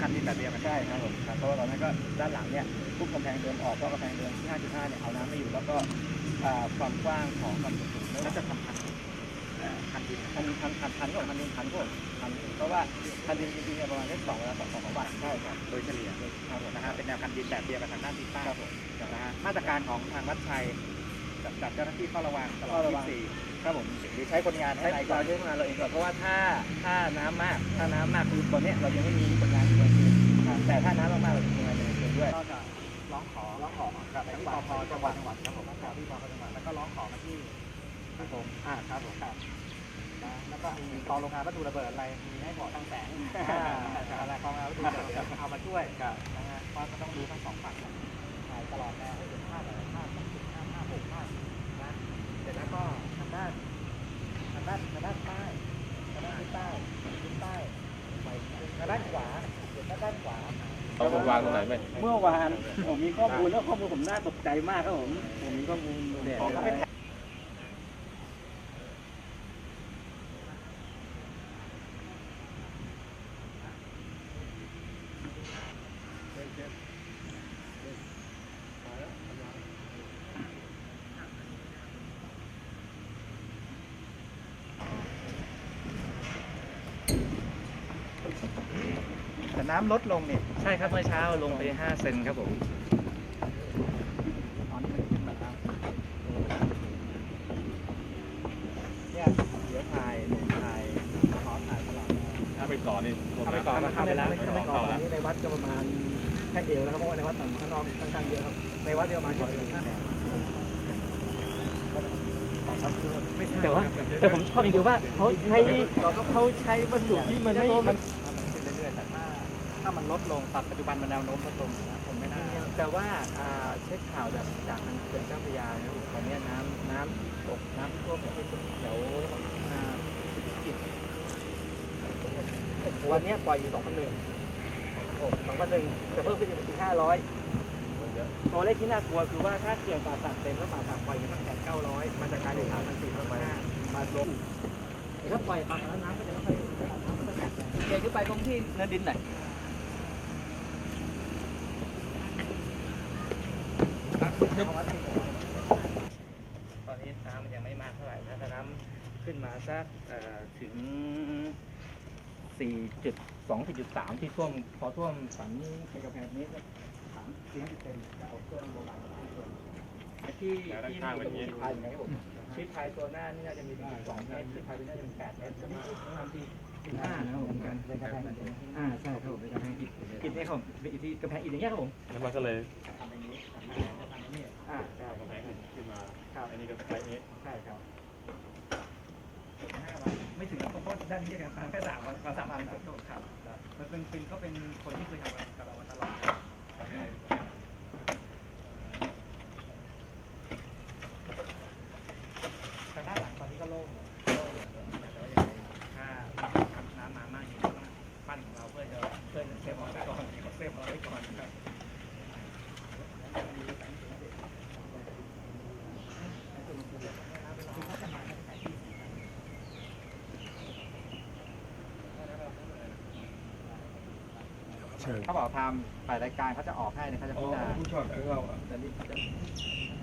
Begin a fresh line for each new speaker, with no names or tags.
คันดินแบบเดียวกัน
ใช่ครับผมเพราะว่าตอนนั้นก็ด้านหลังเนี่ยทุกกำแพงเดินออกเพราะกำแพงเดินที่ 5.5 เนี่ยเอาน้ำไม่อยู่แล้วก็ความกว้างของความสูงแล้วจะทำคันดินคันก็คันดินเพราะว่าคันดินจริงๆเนี่ยประมาณแค่2 บาทใช่ครับ
โดยเฉลี่ย
ครับผม
นะฮะเป็นแนวคันดินแบบเดียวกันทางด้านทิศใต้
ครับผม
นะฮะมาตรการของทางวัดชัยกับเจ้าหน้าที่เฝ้าระวังตลอด24
ครับผม
หรือใช้คนงานให้
เราใช้คนงานเราเองก่อนเพราะว่าถ้าน้ำมากคือตอนนี้เรายังไม่มีคนงานอยู่ในคืนแต่ถ้าน้ำมากๆเราจะมีคนงานอยู่ในคืนด้วย
ก็จะร้องขอกับที่ปภจังหวัดครับผมที่ปภจังหวัดแล้วก็ร้องขอมาที่ครับผมครับผมครับแล้วก็มีกองโรงงานวัตถุระเบิดอะไรมีให้หมอตั้งแสงอะไรกองโรงงานวัตถุระเบิดเอามาช่วยนะฮะเพราะก็ต้องดูทั้ง2 ฝั่งตลอดแนวภาคภาค6ภาคนะเสร็จแล้วก็ทางด้านใต้ทางด้านขวา
ต้องวางตรงไหนไหม
เมื่อวานผมมีข้อมูลแล้วข้อมูลผมน่าตกใจมากครับผมมีข้อมูลเด็ด
แต่น้ำลดลงเนี่ย
ใช่ครับเมื่อเช้าลงไป5 เซนครับผม
ตอนนี้มันขึ้นมาแล้วเนี่ยเดี๋ยวถ่ายขอถ่ายตลอด
ถ้าไปก่อนนี่
ถ้าไปก่อนเข้าไปแล้วถ้าไปก่อนนี้ในวัดก็ประมาณแค่เอวแล้วครับเพราะว่าในวัดข้างนอกค่อนข้างเยอะครับในวัดเดียวมา
แต่ผมชอบอย่างเดียวว่าเขาใช้วัสดุที่มันไม่
เรื่อยๆแต่ถ้ามันลดลงปัจจุบันมันแนวโน้มลดลงผมไม่น่า
แต่ว่าเช็คข่าวจากทางเขื่อนเจ้าพระยาเนี่ยตอนนี้น้ำตกน้ำท่วมเนี่ยแถววันนี้ปล่อยอยู่2,100จะเพิ่มขึ้นเป็น500ตัวเลขที่น่ากลัวคือว่าถ้าเขื่อนป่าสักเต็มแล้วป่าสักปล่อยอยู่ตั้งแต่900มันจะกลายเป็น3,400มาลงถ้าปล่อยปลาแล้วน้ำก็จะไม่ค่อยเดินขึ้นไปตรงที่เนินดินหน่อยตอนนี้น้ำมันยังไม่มากเท่าไหร่ถ้าน้ำขึ้นมาสักถึง4.2-4.3ที่ท่วมพอท่วมสันในกระแพงนี้3-4 เซนจะเอาเครื่องโบราณที่ทางเป็นชิดพายอย่างไรผมชิดพายตัวหน้านี่น่าจะมี2 เมตรชิดพายตัวน่าจะมี8 เมตรนี่ทำที่15นะครับผมกันเป็นกระแพงใช่ครับผมเป็นกระแพงอิฐนี่ครับผมเป็นอิฐที่กระแพงอิฐอย่างเงี้ยครับผม
แล้วมันก็เลย
ทำอย่างนี้
ใช่กระแพงขึ้นมาอันนี้ก็ไปนี้
ใช่ครับไม่ถึงกับเพราะด้านนี้กันแค่3 วันครับมันเป็นก็เป็นคนที่เคยทำกับเรามาตลอดทางด้านหลังตอนนี้ก็โล่งแต่ว่าถ้าน้ำมามากจริงต้องปั้นของเราเพื่อจะเซฟเอาไว้ก่อนครับ
เขาบอกทำฝ่ายรายการเขาจะออกให้เนี่ยเขาจะพิจารณา
ผู้ชอบของเรา